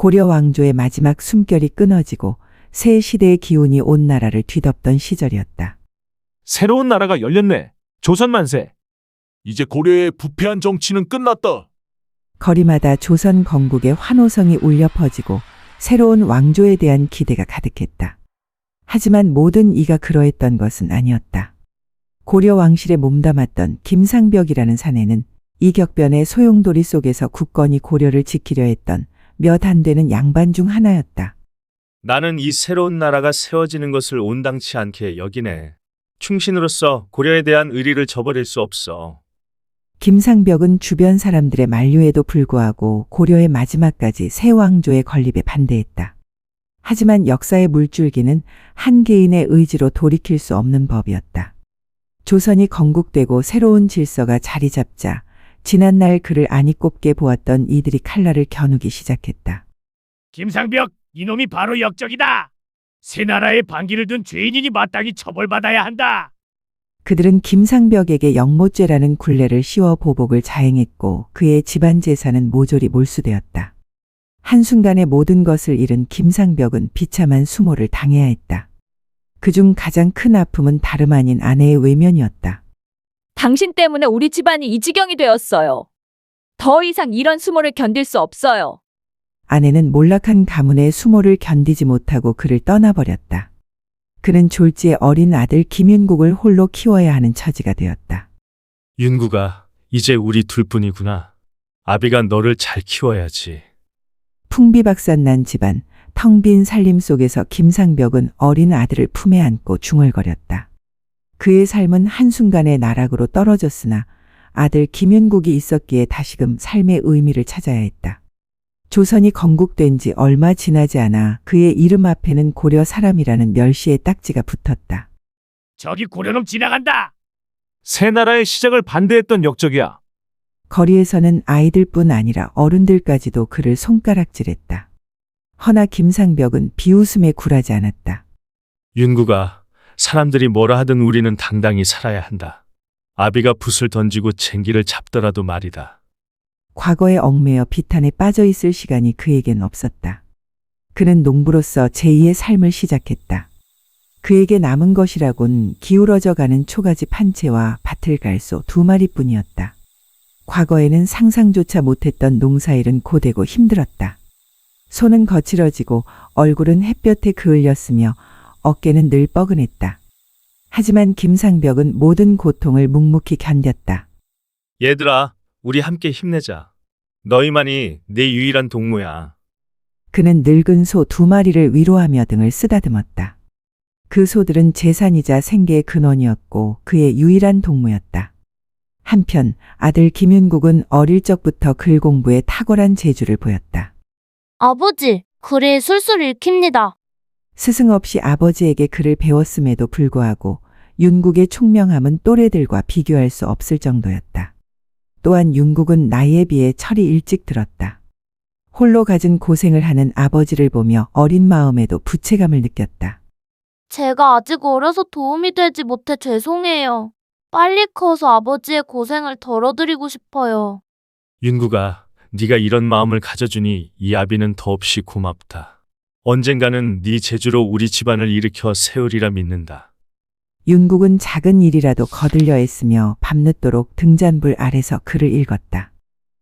고려 왕조의 마지막 숨결이 끊어지고 새 시대의 기운이 온 나라를 뒤덮던 시절이었다. 새로운 나라가 열렸네. 조선 만세. 이제 고려의 부패한 정치는 끝났다. 거리마다 조선 건국의 환호성이 울려 퍼지고 새로운 왕조에 대한 기대가 가득했다. 하지만 모든 이가 그러했던 것은 아니었다. 고려 왕실에 몸담았던 김상벽이라는 사내는 이 격변의 소용돌이 속에서 굳건히 고려를 지키려 했던 몇 안 되는 양반 중 하나였다. 나는 이 새로운 나라가 세워지는 것을 온당치 않게 여기네. 충신으로서 고려에 대한 의리를 저버릴 수 없어. 김상벽은 주변 사람들의 만류에도 불구하고 고려의 마지막까지 새 왕조의 건립에 반대했다. 하지만 역사의 물줄기는 한 개인의 의지로 돌이킬 수 없는 법이었다. 조선이 건국되고 새로운 질서가 자리 잡자 지난날 그를 아니 꼽게 보았던 이들이 칼날을 겨누기 시작했다. 김상벽, 이놈이 바로 역적이다. 새 나라에 반기를 둔 죄인이니 마땅히 처벌받아야 한다. 그들은 김상벽에게 영모죄라는 굴레를 씌워 보복을 자행했고 그의 집안 재산은 모조리 몰수되었다. 한순간에 모든 것을 잃은 김상벽은 비참한 수모를 당해야 했다. 그중 가장 큰 아픔은 다름 아닌 아내의 외면이었다. 당신 때문에 우리 집안이 이 지경이 되었어요. 더 이상 이런 수모를 견딜 수 없어요. 아내는 몰락한 가문의 수모를 견디지 못하고 그를 떠나버렸다. 그는 졸지에 어린 아들 김윤국을 홀로 키워야 하는 처지가 되었다. 윤구가 이제 우리 둘뿐이구나. 아비가 너를 잘 키워야지. 풍비박산난 집안, 텅 빈 살림 속에서 김상벽은 어린 아들을 품에 안고 중얼거렸다. 그의 삶은 한순간에 나락으로 떨어졌으나 아들 김윤국이 있었기에 다시금 삶의 의미를 찾아야 했다. 조선이 건국된 지 얼마 지나지 않아 그의 이름 앞에는 고려 사람이라는 멸시의 딱지가 붙었다. 저기 고려놈 지나간다. 새 나라의 시작을 반대했던 역적이야. 거리에서는 아이들뿐 아니라 어른들까지도 그를 손가락질했다. 허나 김상벽은 비웃음에 굴하지 않았다. 윤구가 사람들이 뭐라 하든 우리는 당당히 살아야 한다. 아비가 붓을 던지고 쟁기를 잡더라도 말이다. 과거에 얽매여 비탄에 빠져 있을 시간이 그에겐 없었다. 그는 농부로서 제2의 삶을 시작했다. 그에게 남은 것이라곤 기울어져 가는 초가지 판채와 밭을 갈 소 2마리뿐이었다. 과거에는 상상조차 못했던 농사일은 고되고 힘들었다. 손은 거칠어지고 얼굴은 햇볕에 그을렸으며 어깨는 늘 뻐근했다. 하지만 김상벽은 모든 고통을 묵묵히 견뎠다. 얘들아, 우리 함께 힘내자. 너희만이 내 유일한 동무야. 그는 늙은 소 2마리를 위로하며 등을 쓰다듬었다. 그 소들은 재산이자 생계의 근원이었고 그의 유일한 동무였다. 한편 아들 김윤국은 어릴 적부터 글 공부에 탁월한 재주를 보였다. 아버지, 글에 술술 읽힙니다. 스승 없이 아버지에게 글을 배웠음에도 불구하고 윤국의 총명함은 또래들과 비교할 수 없을 정도였다. 또한 윤국은 나이에 비해 철이 일찍 들었다. 홀로 갖은 고생을 하는 아버지를 보며 어린 마음에도 부채감을 느꼈다. 제가 아직 어려서 도움이 되지 못해 죄송해요. 빨리 커서 아버지의 고생을 덜어드리고 싶어요. 윤구가 네가 이런 마음을 가져주니 이 아비는 더없이 고맙다. 언젠가는 네 재주로 우리 집안을 일으켜 세우리라 믿는다. 윤국은 작은 일이라도 거들려 했으며 밤늦도록 등잔불 아래서 글을 읽었다.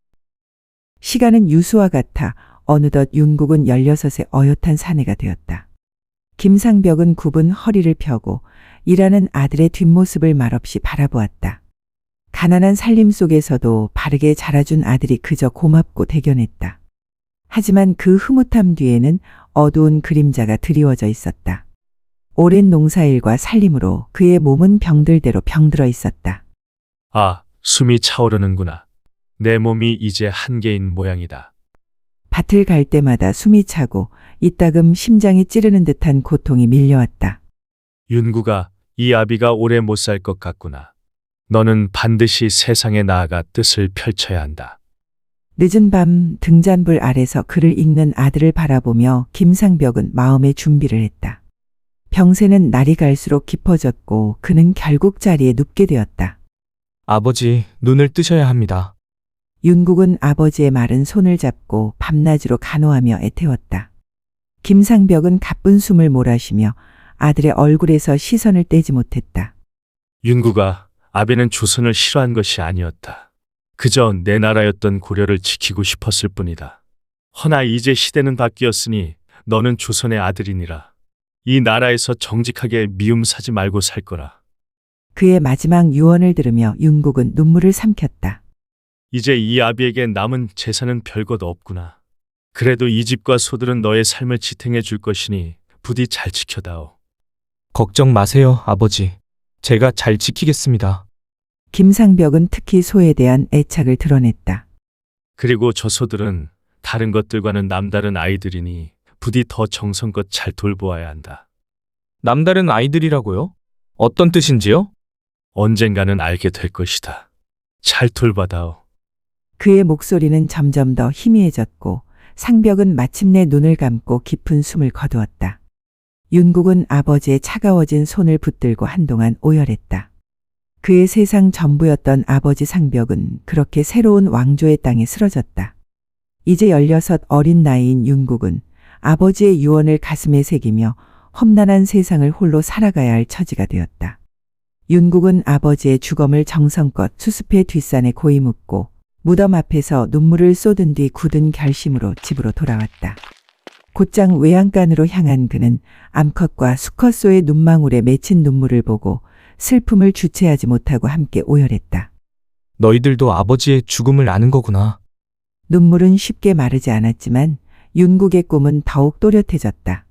시간은 유수와 같아 어느덧 윤국은 16의 어엿한 사내가 되었다. 김상벽은 굽은 허리를 펴고 일하는 아들의 뒷모습을 말없이 바라보았다. 가난한 살림 속에서도 바르게 자라준 아들이 그저 고맙고 대견했다. 하지만 그 흐뭇함 뒤에는 어두운 그림자가 드리워져 있었다. 오랜 농사일과 살림으로 그의 몸은 병들대로 병들어 있었다. 아, 숨이 차오르는구나. 내 몸이 이제 한계인 모양이다. 밭을 갈 때마다 숨이 차고 이따금 심장이 찌르는 듯한 고통이 밀려왔다. 윤구가 이 아비가 오래 못 살 것 같구나. 너는 반드시 세상에 나아가 뜻을 펼쳐야 한다. 늦은 밤 등잔불 아래서 글을 읽는 아들을 바라보며 김상벽은 마음의 준비를 했다. 병세는 날이 갈수록 깊어졌고 그는 결국 자리에 눕게 되었다. 아버지, 눈을 뜨셔야 합니다. 윤국은 아버지의 마른 손을 잡고 밤낮으로 간호하며 애태웠다. 김상벽은 가쁜 숨을 몰아쉬며 아들의 얼굴에서 시선을 떼지 못했다. 윤구가 아베는 조선을 싫어한 것이 아니었다. 그저 내 나라였던 고려를 지키고 싶었을 뿐이다. 허나 이제 시대는 바뀌었으니 너는 조선의 아들이니라. 이 나라에서 정직하게 미움 사지 말고 살 거라. 그의 마지막 유언을 들으며 윤국은 눈물을 삼켰다. 이제 이 아비에게 남은 재산은 별것 없구나. 그래도 이 집과 소들은 너의 삶을 지탱해 줄 것이니 부디 잘 지켜다오. 걱정 마세요, 아버지. 제가 잘 지키겠습니다. 김상벽은 특히 소에 대한 애착을 드러냈다. 그리고 저 소들은 다른 것들과는 남다른 아이들이니 부디 더 정성껏 잘 돌보아야 한다. 남다른 아이들이라고요? 어떤 뜻인지요? 언젠가는 알게 될 것이다. 잘 돌봐다오. 그의 목소리는 점점 더 희미해졌고 상벽은 마침내 눈을 감고 깊은 숨을 거두었다. 윤국은 아버지의 차가워진 손을 붙들고 한동안 오열했다. 그의 세상 전부였던 아버지 상벽은 그렇게 새로운 왕조의 땅에 쓰러졌다. 이제 16 어린 나이인 윤국은 아버지의 유언을 가슴에 새기며 험난한 세상을 홀로 살아가야 할 처지가 되었다. 윤국은 아버지의 주검을 정성껏 수습해 뒷산에 고이 묻고 무덤 앞에서 눈물을 쏟은 뒤 굳은 결심으로 집으로 돌아왔다. 곧장 외양간으로 향한 그는 암컷과 수컷소의 눈망울에 맺힌 눈물을 보고 슬픔을 주체하지 못하고 함께 오열했다. 너희들도 아버지의 죽음을 아는 거구나. 눈물은 쉽게 마르지 않았지만 윤국의 꿈은 더욱 또렷해졌다.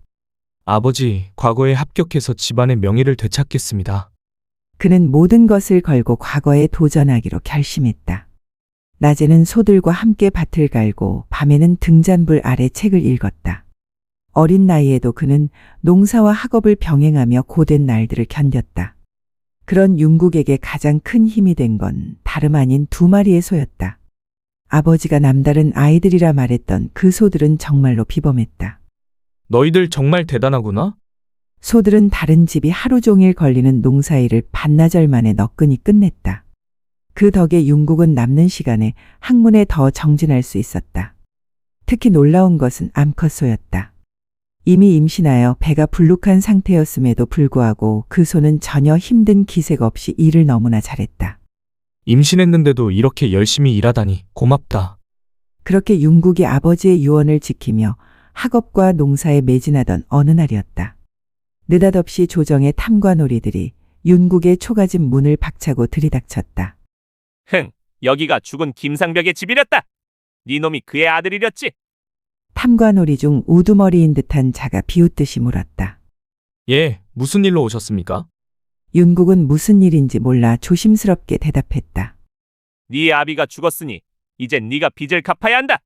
아버지, 과거에 합격해서 집안의 명예를 되찾겠습니다. 그는 모든 것을 걸고 과거에 도전하기로 결심했다. 낮에는 소들과 함께 밭을 갈고 밤에는 등잔불 아래 책을 읽었다. 어린 나이에도 그는 농사와 학업을 병행하며 고된 날들을 견뎠다. 그런 윤국에게 가장 큰 힘이 된 건 다름 아닌 2마리의 소였다. 아버지가 남다른 아이들이라 말했던 그 소들은 정말로 비범했다. 너희들 정말 대단하구나. 소들은 다른 집이 하루 종일 걸리는 농사일을 반나절 만에 너끈히 끝냈다. 그 덕에 윤국은 남는 시간에 학문에 더 정진할 수 있었다. 특히 놀라운 것은 암컷소였다. 이미 임신하여 배가 불룩한 상태였음에도 불구하고 그 소는 전혀 힘든 기색 없이 일을 너무나 잘했다. 임신했는데도 이렇게 열심히 일하다니 고맙다. 그렇게 윤국이 아버지의 유언을 지키며 학업과 농사에 매진하던 어느 날이었다. 느닷없이 조정의 탐관오리들이 윤국의 초가집 문을 박차고 들이닥쳤다. 흥, 여기가 죽은 김상벽의 집이랬다. 네 놈이 그의 아들이랬지? 탐관오리 중 우두머리인 듯한 자가 비웃듯이 물었다. 예, 무슨 일로 오셨습니까? 윤국은 무슨 일인지 몰라 조심스럽게 대답했다. 네 아비가 죽었으니 이젠 네가 빚을 갚아야 한다.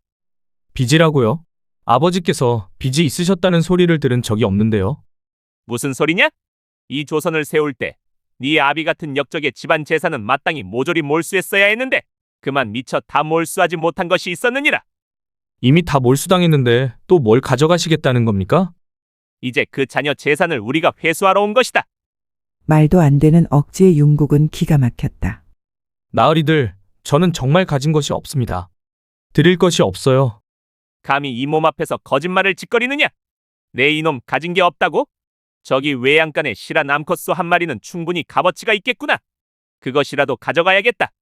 빚이라고요? 아버지께서 빚이 있으셨다는 소리를 들은 적이 없는데요. 무슨 소리냐? 이 조선을 세울 때 네 아비 같은 역적의 집안 재산은 마땅히 모조리 몰수했어야 했는데 그만 미처 다 몰수하지 못한 것이 있었느니라. 이미 다 몰수당했는데 또 뭘 가져가시겠다는 겁니까? 이제 그 자녀 재산을 우리가 회수하러 온 것이다. 말도 안 되는 억지의 윤국은 기가 막혔다. 나으리들, 저는 정말 가진 것이 없습니다. 드릴 것이 없어요. 감히 이 몸 앞에서 거짓말을 짓거리느냐? 내 이놈 가진 게 없다고? 저기 외양간에 실한 암컷소 1마리는 충분히 값어치가 있겠구나. 그것이라도 가져가야겠다.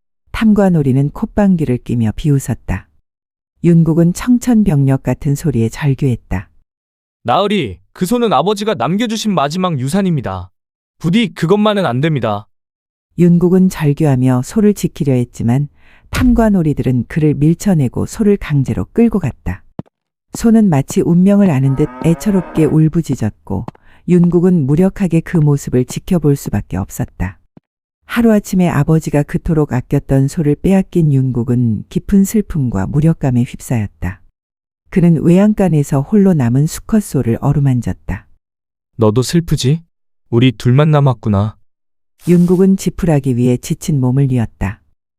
탐관오리는 콧방귀를 끼며 비웃었다. 윤국은 청천벽력 같은 소리에 절규했다. 나으리, 그 소는 아버지가 남겨주신 마지막 유산입니다. 부디 그것만은 안 됩니다. 윤국은 절규하며 소를 지키려 했지만 탐관오리들은 그를 밀쳐내고 소를 강제로 끌고 갔다. 소는 마치 운명을 아는 듯 애처롭게 울부짖었고 윤국은 무력하게 그 모습을 지켜볼 수밖에 없었다. 하루아침에 아버지가 그토록 아꼈던 소를 빼앗긴 윤국은 깊은 슬픔과 무력감에 휩싸였다. 그는 외양간에서 홀로 남은 수컷 소를 어루만졌다. 너도 슬프지? 우리 둘만 남았구나. 윤국은 지푸라기 위에 지친 몸을 뉘었다.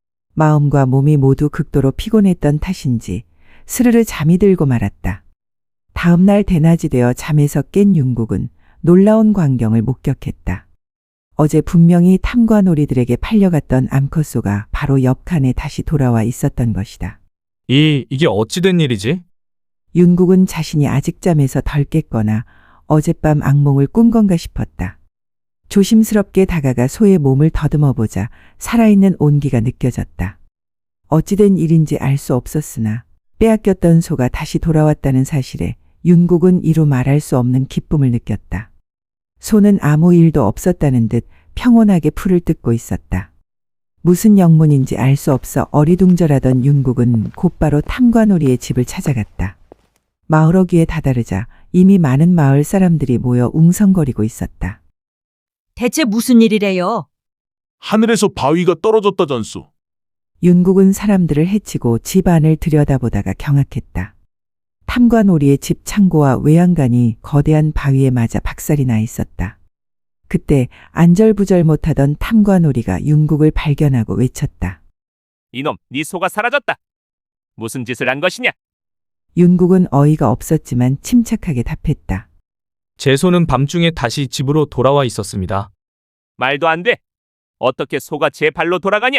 마음과 몸이 모두 극도로 피곤했던 탓인지 스르르 잠이 들고 말았다. 다음 날 대낮이 되어 잠에서 깬 윤국은 놀라운 광경을 목격했다. 어제 분명히 탐관오리들에게 팔려갔던 암컷소가 바로 옆 칸에 다시 돌아와 있었던 것이다. 이게 어찌 된 일이지? 윤국은 자신이 아직 잠에서 덜 깼거나 어젯밤 악몽을 꾼 건가 싶었다. 조심스럽게 다가가 소의 몸을 더듬어 보자 살아있는 온기가 느껴졌다. 어찌된 일인지 알 수 없었으나 빼앗겼던 소가 다시 돌아왔다는 사실에 윤국은 이루 말할 수 없는 기쁨을 느꼈다. 소는 아무 일도 없었다는 듯 평온하게 풀을 뜯고 있었다. 무슨 영문인지 알 수 없어 어리둥절하던 윤국은 곧바로 탐관오리의 집을 찾아갔다. 마을 어귀에 다다르자 이미 많은 마을 사람들이 모여 웅성거리고 있었다. 대체 무슨 일이래요? 하늘에서 바위가 떨어졌다 전수. 윤국은 사람들을 해치고 집 안을 들여다보다가 경악했다. 탐관오리의 집 창고와 외양간이 거대한 바위에 맞아 박살이 나 있었다. 그때 안절부절 못하던 탐관오리가 윤국을 발견하고 외쳤다. 이놈, 네 소가 사라졌다. 무슨 짓을 한 것이냐? 윤국은 어이가 없었지만 침착하게 답했다. 제 소는 밤중에 다시 집으로 돌아와 있었습니다. 말도 안 돼. 어떻게 소가 제 발로 돌아가냐?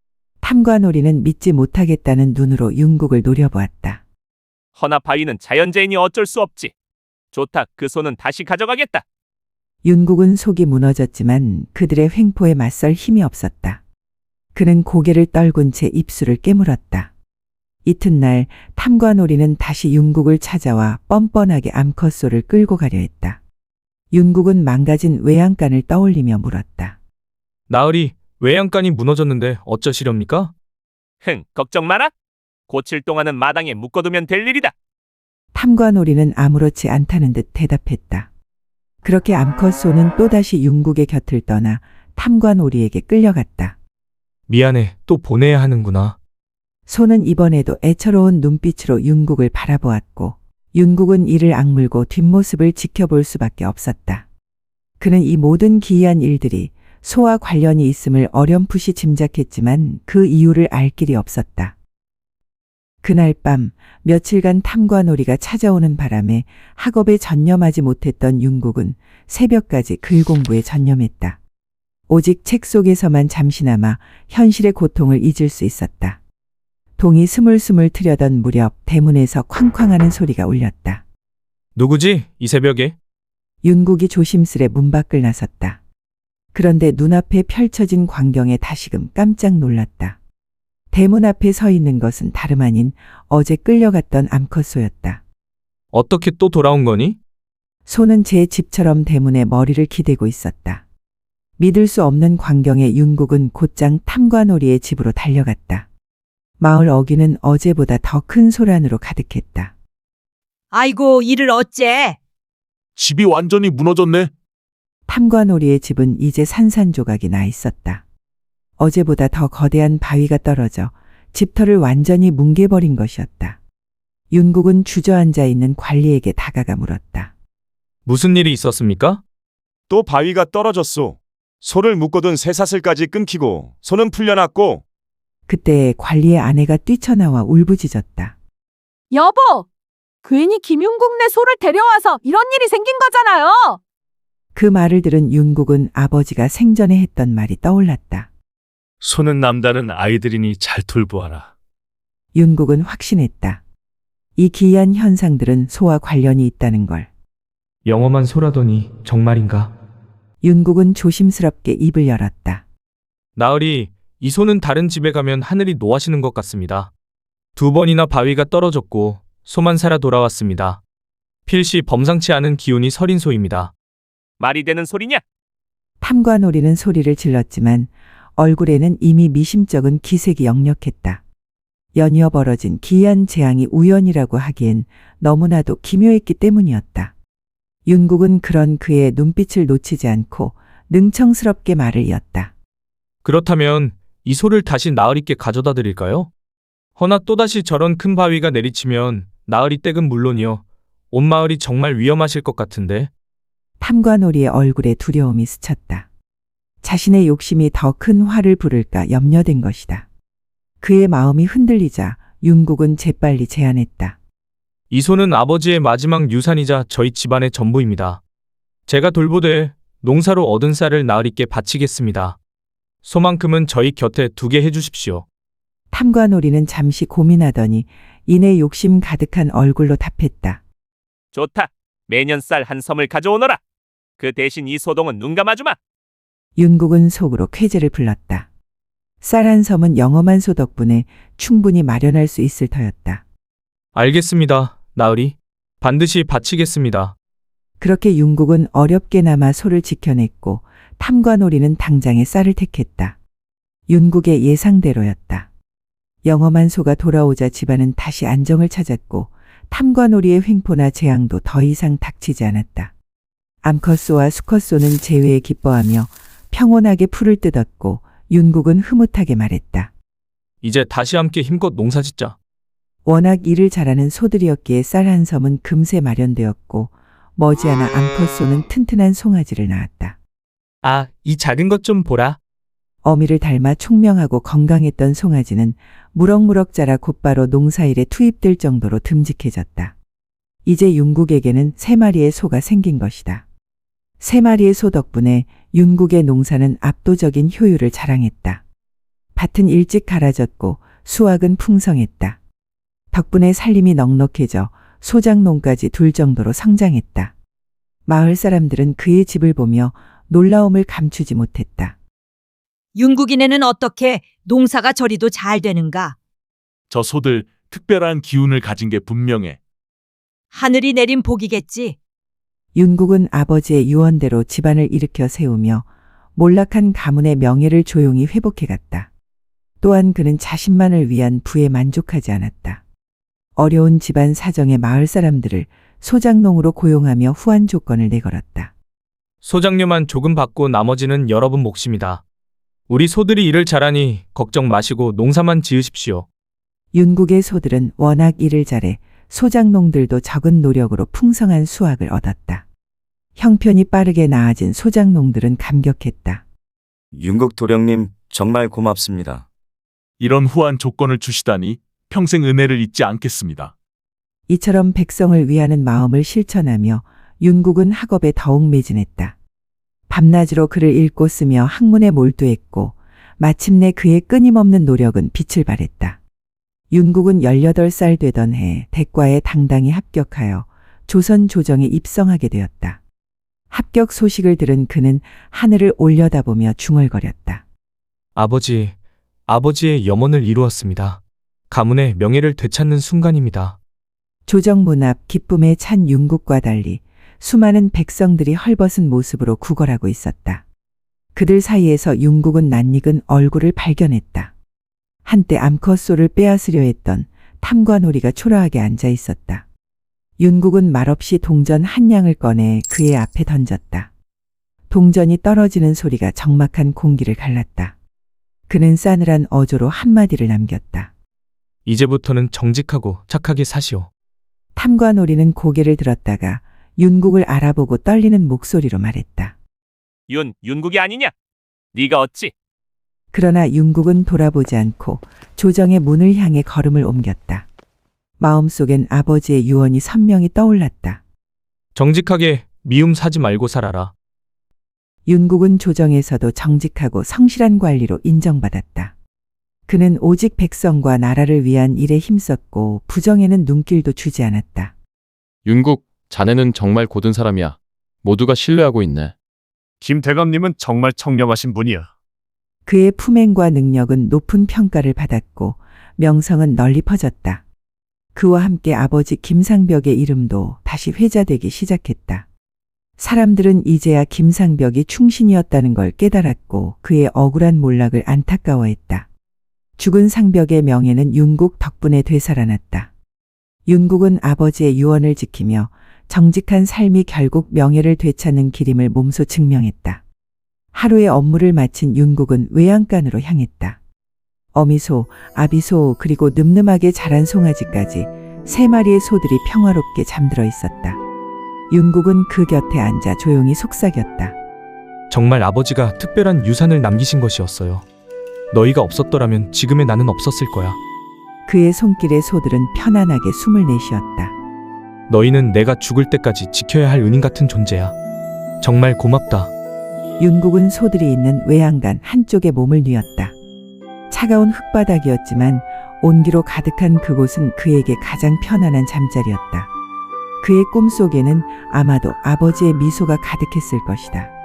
탐관오리는 믿지 못하겠다는 눈으로 윤국을 노려보았다. 허나 바위는 자연재해니 어쩔 수 없지. 좋다, 그 소는 다시 가져가겠다. 윤국은 속이 무너졌지만 그들의 횡포에 맞설 힘이 없었다. 그는 고개를 떨군 채 입술을 깨물었다. 이튿날 탐관오리는 다시 윤국을 찾아와 뻔뻔하게 암컷소를 끌고 가려 했다. 윤국은 망가진 외양간을 떠올리며 물었다. 나으리, 외양간이 무너졌는데 어쩌시렵니까? 걱정 마라. 고칠 동안은 마당에 묶어두면 될 일이다. 탐관오리는 아무렇지 않다는 듯 대답했다. 그렇게 암컷소는 또다시 윤국의 곁을 떠나 탐관오리에게 끌려갔다. 미안해, 또 보내야 하는구나. 소는 이번에도 애처로운 눈빛으로 윤국을 바라보았고 윤국은 이를 악물고 뒷모습을 지켜볼 수밖에 없었다. 그는 이 모든 기이한 일들이 소와 관련이 있음을 어렴풋이 짐작했지만 그 이유를 알 길이 없었다. 그날 밤 며칠간 탐관오리가 찾아오는 바람에 학업에 전념하지 못했던 윤국은 새벽까지 글 공부에 전념했다. 오직 책 속에서만 잠시나마 현실의 고통을 잊을 수 있었다. 동이 스물스물 트려던 무렵 대문에서 쾅쾅하는 소리가 울렸다. 누구지? 이 새벽에? 윤국이 조심스레 문 밖을 나섰다. 그런데 눈앞에 펼쳐진 광경에 다시금 깜짝 놀랐다. 대문 앞에 서 있는 것은 다름 아닌 어제 끌려갔던 암컷소였다. 어떻게 또 돌아온 거니? 소는 제 집처럼 대문에 머리를 기대고 있었다. 믿을 수 없는 광경에 윤국은 곧장 탐관오리의 집으로 달려갔다. 마을 어귀는 어제보다 더 큰 소란으로 가득했다. 아이고, 이를 어째? 집이 완전히 무너졌네. 탐관오리의 집은 이제 산산조각이 나 있었다. 어제보다 더 거대한 바위가 떨어져 집터를 완전히 뭉개버린 것이었다. 윤국은 주저앉아 있는 관리에게 다가가 물었다. 무슨 일이 있었습니까? 또 바위가 떨어졌소. 소를 묶어둔 쇠사슬까지 끊기고 소는 풀려났고. 그때 관리의 아내가 뛰쳐나와 울부짖었다. 여보! 괜히 김윤국네 소를 데려와서 이런 일이 생긴 거잖아요. 그 말을 들은 윤국은 아버지가 생전에 했던 말이 떠올랐다. 소는 남다른 아이들이니 잘 돌보아라. 윤국은 확신했다. 이 기이한 현상들은 소와 관련이 있다는 걸. 영험한 소라더니 정말인가? 윤국은 조심스럽게 입을 열었다. 나으리, 이 소는 다른 집에 가면 하늘이 노하시는 것 같습니다. 2번이나 바위가 떨어졌고 소만 살아 돌아왔습니다. 필시 범상치 않은 기운이 서린 소입니다. 말이 되는 소리냐? 탐관오리는 소리를 질렀지만 얼굴에는 이미 미심쩍은 기색이 역력했다. 연이어 벌어진 기이한 재앙이 우연이라고 하기엔 너무나도 기묘했기 때문이었다. 윤국은 그런 그의 눈빛을 놓치지 않고 능청스럽게 말을 이었다. 그렇다면 이 소를 다시 나으리께 가져다 드릴까요? 허나 또다시 저런 큰 바위가 내리치면 나으리 댁은 물론이요, 온 마을이 정말 위험하실 것 같은데. 탐관오리의 얼굴에 두려움이 스쳤다. 자신의 욕심이 더 큰 화를 부를까 염려된 것이다. 그의 마음이 흔들리자 윤국은 재빨리 제안했다. 이 소는 아버지의 마지막 유산이자 저희 집안의 전부입니다. 제가 돌보되 농사로 얻은 쌀을 나으리께 바치겠습니다. 소만큼은 저희 곁에 두게 해주십시오. 탐관오리는 잠시 고민하더니 이내 욕심 가득한 얼굴로 답했다. 좋다. 매년 쌀 한 섬을 가져오너라. 그 대신 이 소동은 눈 감아주마. 윤국은 속으로 쾌재를 불렀다. 쌀 한 섬은 영험한 소 덕분에 충분히 마련할 수 있을 터였다. 알겠습니다, 나으리. 반드시 바치겠습니다. 그렇게 윤국은 어렵게나마 소를 지켜냈고 탐관오리는 당장에 쌀을 택했다. 윤국의 예상대로였다. 영험한 소가 돌아오자 집안은 다시 안정을 찾았고 탐관오리의 횡포나 재앙도 더 이상 닥치지 않았다. 암컷소와 수컷소는 재회에 기뻐하며 평온하게 풀을 뜯었고 윤국은 흐뭇하게 말했다. 이제 다시 함께 힘껏 농사짓자. 워낙 일을 잘하는 소들이었기에 쌀 한 섬은 금세 마련되었고 머지않아 암컷소는 튼튼한 송아지를 낳았다. 아, 이 작은 것 좀 보라. 어미를 닮아 총명하고 건강했던 송아지는 무럭무럭 자라 곧바로 농사일에 투입될 정도로 듬직해졌다. 이제 윤국에게는 3마리의 소가 생긴 것이다. 3마리의 소 덕분에 윤국의 농사는 압도적인 효율을 자랑했다. 밭은 일찍 갈아졌고 수확은 풍성했다. 덕분에 살림이 넉넉해져 소장농까지 둘 정도로 성장했다. 마을 사람들은 그의 집을 보며 놀라움을 감추지 못했다. 윤국이네는 어떻게 농사가 저리도 잘 되는가? 저 소들 특별한 기운을 가진 게 분명해. 하늘이 내린 복이겠지. 윤국은 아버지의 유언대로 집안을 일으켜 세우며 몰락한 가문의 명예를 조용히 회복해갔다. 또한 그는 자신만을 위한 부에 만족하지 않았다. 어려운 집안 사정의 마을 사람들을 소장농으로 고용하며 후한 조건을 내걸었다. 소장료만 조금 받고 나머지는 여러분 몫입니다. 우리 소들이 일을 잘하니 걱정 마시고 농사만 지으십시오. 윤국의 소들은 워낙 일을 잘해 소장농들도 적은 노력으로 풍성한 수확을 얻었다. 형편이 빠르게 나아진 소장농들은 감격했다. 윤국 도령님 정말 고맙습니다. 이런 후한 조건을 주시다니 평생 은혜를 잊지 않겠습니다. 이처럼 백성을 위하는 마음을 실천하며 윤국은 학업에 더욱 매진했다. 밤낮으로 글을 읽고 쓰며 학문에 몰두했고 마침내 그의 끊임없는 노력은 빛을 발했다. 윤국은 18살 되던 해 대과에 당당히 합격하여 조선 조정에 입성하게 되었다. 합격 소식을 들은 그는 하늘을 올려다보며 중얼거렸다. 아버지의 염원을 이루었습니다. 가문의 명예를 되찾는 순간입니다. 조정문 앞 기쁨에 찬 윤국과 달리 수많은 백성들이 헐벗은 모습으로 구걸하고 있었다. 그들 사이에서 윤국은 낯익은 얼굴을 발견했다. 한때 암컷소를 빼앗으려 했던 탐관오리가 초라하게 앉아 있었다. 윤국은 말없이 동전 한 양을 꺼내 그의 앞에 던졌다. 동전이 떨어지는 소리가 적막한 공기를 갈랐다. 그는 싸늘한 어조로 한마디를 남겼다. 이제부터는 정직하고 착하게 사시오. 탐관오리는 고개를 들었다가 윤국을 알아보고 떨리는 목소리로 말했다. 윤국이 아니냐? 네가 어찌? 그러나 윤국은 돌아보지 않고 조정의 문을 향해 걸음을 옮겼다. 마음속엔 아버지의 유언이 선명히 떠올랐다. 정직하게 미움 사지 말고 살아라. 윤국은 조정에서도 정직하고 성실한 관리로 인정받았다. 그는 오직 백성과 나라를 위한 일에 힘썼고 부정에는 눈길도 주지 않았다. 윤국, 자네는 정말 고든 사람이야. 모두가 신뢰하고 있네. 김 대감님은 정말 청렴하신 분이야. 그의 품행과 능력은 높은 평가를 받았고 명성은 널리 퍼졌다. 그와 함께 아버지 김상벽의 이름도 다시 회자되기 시작했다. 사람들은 이제야 김상벽이 충신이었다는 걸 깨달았고 그의 억울한 몰락을 안타까워했다. 죽은 상벽의 명예는 윤국 덕분에 되살아났다. 윤국은 아버지의 유언을 지키며 정직한 삶이 결국 명예를 되찾는 길임을 몸소 증명했다. 하루의 업무를 마친 윤국은 외양간으로 향했다. 어미소, 아비소 그리고 늠름하게 자란 송아지까지 3마리의 소들이 평화롭게 잠들어 있었다. 윤국은 그 곁에 앉아 조용히 속삭였다. 정말 아버지가 특별한 유산을 남기신 것이었어요. 너희가 없었더라면 지금의 나는 없었을 거야. 그의 손길에 소들은 편안하게 숨을 내쉬었다. 너희는 내가 죽을 때까지 지켜야 할 은인 같은 존재야. 정말 고맙다. 윤국은 소들이 있는 외양간 한쪽에 몸을 뉘었다. 차가운 흙바닥이었지만 온기로 가득한 그곳은 그에게 가장 편안한 잠자리였다. 그의 꿈속에는 아마도 아버지의 미소가 가득했을 것이다.